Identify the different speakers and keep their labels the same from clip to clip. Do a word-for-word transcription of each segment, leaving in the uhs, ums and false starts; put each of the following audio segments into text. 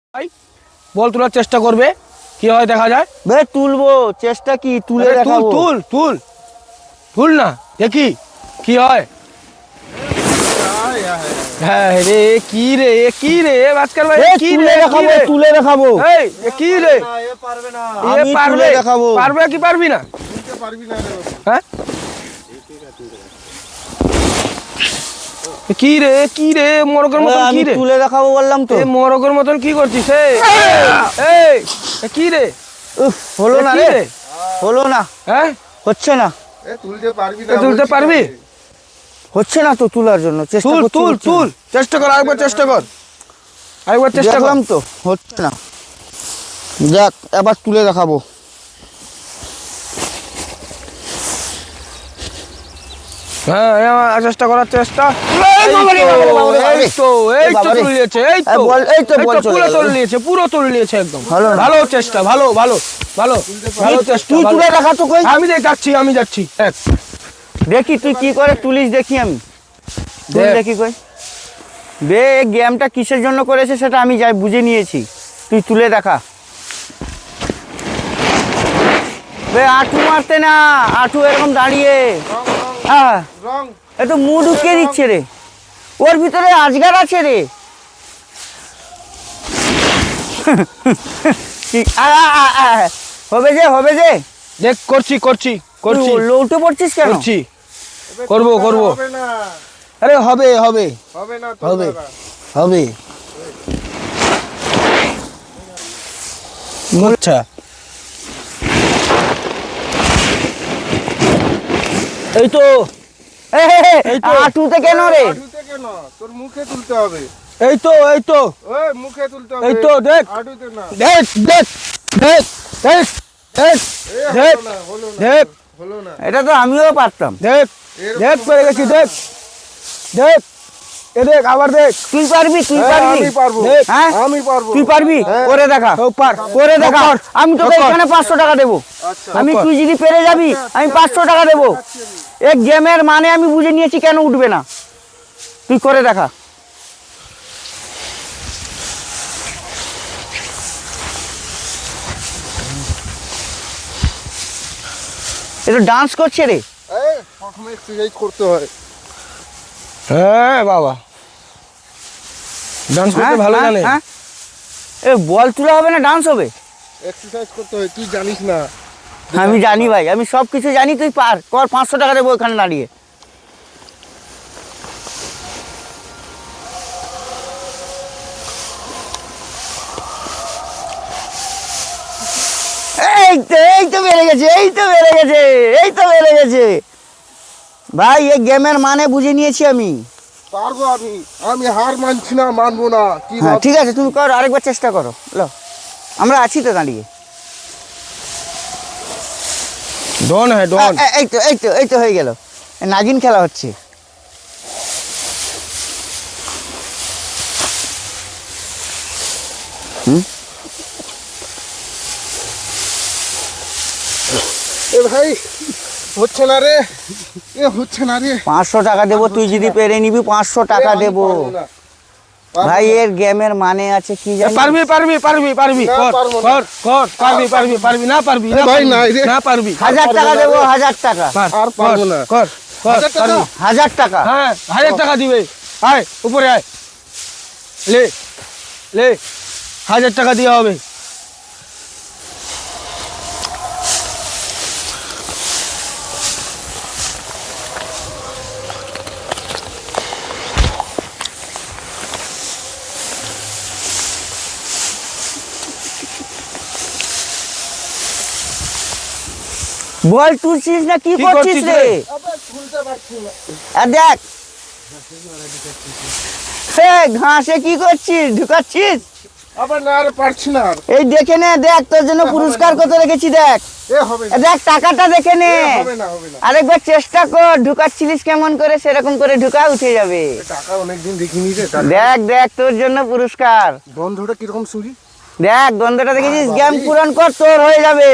Speaker 1: ভাই বল তোলার চেষ্টা করবে কি হয় দেখা যায়।
Speaker 2: ভাই তুলবো, চেষ্টা কি তুলে
Speaker 1: তুল
Speaker 2: দেখাবো।
Speaker 1: তুল তুল তুল না দেখি কি হয়। হ্যাঁ রে কি রে এ কি রে ভাস্কর ভাই
Speaker 2: এ
Speaker 1: কি
Speaker 2: তুলে
Speaker 1: রে কি
Speaker 2: দেখাবো,
Speaker 1: রে
Speaker 2: তুলে দেখাবো।
Speaker 1: এই এ কি রে এ
Speaker 2: আমি
Speaker 1: পারবে
Speaker 2: তুলে দেখাবো।
Speaker 1: পারবে কি পারবি না হ্যাঁ এ কি রে কি রে মরকের মতন
Speaker 2: আমি
Speaker 1: কি রে
Speaker 2: তুলে দেখাবো বললাম তো।
Speaker 1: এ মরকের মতন কি করছিস এই এই এ কি রে
Speaker 2: উফ, হলো
Speaker 1: এ
Speaker 2: না
Speaker 1: কি
Speaker 2: রে, হলো না,
Speaker 1: হ্যাঁ
Speaker 2: হচ্ছে না,
Speaker 3: এ তুলতে পারবি না
Speaker 1: এ তুলতে
Speaker 3: বলছি
Speaker 1: পারবি
Speaker 3: তোকে।
Speaker 2: হচ্ছে না তো তোলার জন্য চেষ্টা
Speaker 1: তুল
Speaker 2: করছি,
Speaker 1: তুল
Speaker 2: হচ্ছে
Speaker 1: তুল
Speaker 2: না।
Speaker 1: চেষ্টা কর আরেকবার চেষ্টা কর আরেকবার চেষ্টা কর
Speaker 2: দেখলাম তো হচ্ছে না। যাক এবার তুলে দেখাবো।
Speaker 1: হ্যাঁ এবার চেষ্টা করার চেষ্টা
Speaker 2: এই বাবারে, বাবারে, বাবারে, বাবারে।
Speaker 1: এই তো এই
Speaker 2: এই
Speaker 1: তো
Speaker 2: বাবারে।
Speaker 1: তুলে নিয়েছে এই
Speaker 2: এই
Speaker 1: তো
Speaker 2: বল, এই তো বল চলে
Speaker 1: পুরো
Speaker 2: গেল।
Speaker 1: তুলে নিয়েছে পুরো তুলে নিয়েছে একদম
Speaker 2: ভালো না।
Speaker 1: ভালো চেষ্টা ভালো ভালো ভালো ভালো চেষ্টা
Speaker 2: তুই
Speaker 1: ভালো।
Speaker 2: তুলে দেখা তো কই।
Speaker 1: আমি দেখ যাচ্ছি আমি যাচ্ছি এক
Speaker 2: দেখি তুই কি করে তুলিস, দেখি আমি তুই
Speaker 1: দেখ।
Speaker 2: দেখি কই। বে এই গেমটা কিসের জন্য করেছে সেটা আমি যাই বুঝে নিয়েছি, তুই তুলে দেখা। বে আঁটু মারতে না, আঁটু এরকম দাঁড়িয়ে
Speaker 3: রং, রং,
Speaker 2: হ্যাঁ
Speaker 3: রং।
Speaker 2: একটু মুখ ঢুকিয়ে দিচ্ছে রে, ওর ভিতরে আজগার আছে রে। কি- আ- আ- আ- আ- হবে যে হবে যে
Speaker 1: দেখ করছি করছি করছি
Speaker 2: তুই লৌটে পড়ছিস কেন?
Speaker 1: করছি
Speaker 3: এবার
Speaker 1: করবো,
Speaker 3: তোর
Speaker 1: করবো।
Speaker 3: হবে না
Speaker 1: আরে হবে হবে
Speaker 3: হবে না তোর
Speaker 1: হবে।
Speaker 3: দ্বারা।
Speaker 1: হবে আচ্ছা এই তো
Speaker 2: এ, হে, হে,
Speaker 1: এই তো।
Speaker 2: আঁটুতে কেন রে?
Speaker 3: হাঁটুতে কেন? তোর মুখে তুলতে হবে।
Speaker 1: এই তো এই তো
Speaker 3: ওই মুখে তুলতে হবে।
Speaker 1: এই তো দেখ
Speaker 3: হাঁটুতে না।
Speaker 1: দেখ দেখ দেখ দেখ দেখ
Speaker 3: এ
Speaker 1: দেখ
Speaker 3: হলো না, হলো না,
Speaker 1: দেখ
Speaker 3: হলো না।
Speaker 2: এটা তো আমিও পারতাম।
Speaker 1: দেখ
Speaker 3: এরকম
Speaker 1: দেখ পেরে গেছি দেখ দেখ এ দেখ আবার দেখ
Speaker 2: তুই পারবি, তুই
Speaker 3: হ্যাঁ,
Speaker 2: পারবি,
Speaker 3: আমি পারবো।
Speaker 1: দেখ।
Speaker 2: হ্যাঁ
Speaker 3: আমি পারবো।
Speaker 2: তুই পারবি,
Speaker 3: হ্যাঁ।
Speaker 2: করে দেখা,
Speaker 1: ও পার
Speaker 2: করে দেখা।
Speaker 1: কর।
Speaker 2: আমি তোকে
Speaker 1: কর।
Speaker 2: এখানে পাঁচশো টাকা দেবো।
Speaker 3: আচ্ছা।
Speaker 2: আমি
Speaker 1: কর।
Speaker 2: তুই যদি পেরে যাবি আমি পাঁচশো টাকা দেবো। এই গেমের মানে আমি বুঝে নিয়েছি কেন উঠবে না, তুই করে দেখা। এটা ডান্স করছে রে।
Speaker 3: এই প্রথমে এক্সারসাইজ করতে হয়।
Speaker 1: হ্যাঁ বাবা ডান্স করতে
Speaker 2: হ্যাঁ,
Speaker 1: ভালো
Speaker 2: হ্যাঁ,
Speaker 1: জানে
Speaker 2: হ্যাঁ। এ বল তুলা হবে না ডান্স হবে?
Speaker 3: এক্সারসাইজ করতে হয়, তুই জানিস না।
Speaker 2: আমি জানি ভাই, আমি সব কিছু জানি, তুই পার কর, পাঁচশো টাকা দেবো ওখানে দাঁড়িয়ে। এই তো এই তো বেড়ে গেছে, এই তো বেড়ে গেছে, এই তো বেড়ে গেছে ভাই। এই গেমের মানে বুঝে নিয়েছি আমি।
Speaker 3: পারবো আমি। আমি হার মানছি না, মানবো না। কি
Speaker 2: হ্যাঁ
Speaker 3: ভাব-
Speaker 2: ঠিক আছে, তুমি কর, আরেকবার চেষ্টা করো। লো, আমরা আছি তো দাঁড়িয়ে।
Speaker 1: ডন হ্যাঁ ডন
Speaker 2: এ- এ- এই তো এই তো এই তো হয়ে গেল, নাগিন খেলা হচ্ছে।
Speaker 3: এ ভাই হচ্ছে না রে, এ হচ্ছে না রে।
Speaker 2: পাঁচশো টাকা দেবো, তুই যদি পেরে নিবি পাঁচশো টাকা
Speaker 3: এ আমি
Speaker 2: দেবো।
Speaker 3: পারবো না। পারবো
Speaker 2: ভাই
Speaker 3: না।
Speaker 2: এর গেমের মানে আছে কি জানি?
Speaker 1: পারবি পারবি পারবি পারবি
Speaker 3: না,
Speaker 1: কর
Speaker 3: পারবো না।
Speaker 1: কর কর পারবি পারবি পারবি না পারবি
Speaker 3: এ
Speaker 1: না
Speaker 3: ভাই,
Speaker 1: পারবি,
Speaker 3: নাই রে।
Speaker 1: না পারবি
Speaker 2: হাজার
Speaker 3: পারবো
Speaker 2: টাকা
Speaker 3: না
Speaker 2: দেবো,
Speaker 3: রে।
Speaker 2: হাজার টাকা,
Speaker 1: পার,
Speaker 3: আর
Speaker 1: কর,
Speaker 3: পারবো না।
Speaker 1: কর কর
Speaker 3: হাজার টাকা?
Speaker 1: পারবি।
Speaker 2: হাজার টাকা।
Speaker 1: হ্যাঁ হাজার টাকা দিবে আয় উপরে আয় লে লে হাজার টাকা দেওয়া হবে
Speaker 2: বল তুলছিস না কি
Speaker 1: কি
Speaker 2: করছিস
Speaker 1: করছিস
Speaker 2: রে?
Speaker 1: রে?
Speaker 3: আবে তুলতে পারছি না।
Speaker 2: আর দেখ, হে ঘাসে কি করছিস, ঢুকাচ্ছিস?
Speaker 3: আবার না রে, পারছি না আর।
Speaker 2: এই দেখে নে, দেখ তোর জন্য
Speaker 3: হবে
Speaker 2: পুরস্কার
Speaker 3: না।
Speaker 2: কত রেখেছি, দেখ
Speaker 3: এ হবে
Speaker 2: এ
Speaker 3: না।
Speaker 2: দেখ টাকাটা দেখে নে।
Speaker 3: এ হবে না, হবে না।
Speaker 2: আরেকবার চেষ্টা কর, ঢুকাচ্ছিলিস কেমন করে সেরকম করে ঢুকা, উঠে যাবে।
Speaker 3: এ টাকা অনেকদিন দেখিনি রে। টাকা।
Speaker 2: দেখ দেখ তোর জন্য পুরস্কার,
Speaker 3: বন্ধুটা কিরকম শুনি।
Speaker 2: দেখ গন্ধটা দেখেছিস,
Speaker 3: বাবারে।
Speaker 2: গেম পূরণ কর, তোর হয়ে যাবে।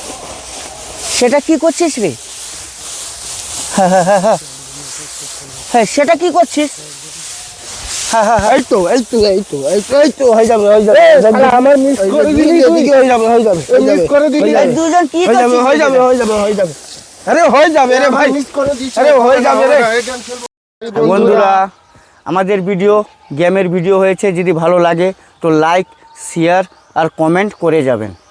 Speaker 2: সেটা কি করছিস রে? হ্যাঁ সেটা কি করছিস? হ্যাঁ হ্যাঁ হ্যাঁ
Speaker 3: এই তো এই তো এই তো এই তো এই তো হয়ে যাবে হয়ে যাবে
Speaker 1: এ,
Speaker 3: হয়ে যাবে।
Speaker 1: শালা, আমার miss
Speaker 3: এই যে
Speaker 1: করে দিলি
Speaker 3: এদিকে,
Speaker 1: তুই।
Speaker 3: এদিকে হয়ে যাবে হয়ে যাবে হয়ে
Speaker 1: মিস
Speaker 3: যাবে,
Speaker 1: করে দিলি।
Speaker 3: হয়ে
Speaker 2: এই
Speaker 3: যাবে।
Speaker 2: দুজন কি
Speaker 3: হয়ে যাবে
Speaker 2: করছিস
Speaker 3: হয়ে যাবে
Speaker 2: এখানে?
Speaker 3: হয়ে যাবে হয়ে যাবে
Speaker 1: আরে হয়ে যাবে রে ভাই
Speaker 3: মিস করে দিয়েছি
Speaker 1: আরে হয়ে যাবে রে।
Speaker 2: বন্ধুরা আমাদের ভিডিও গেমের ভিডিও হয়েছে, যদি ভালো লাগে তো লাইক শেয়ার আর কমেন্ট করে যাবেন।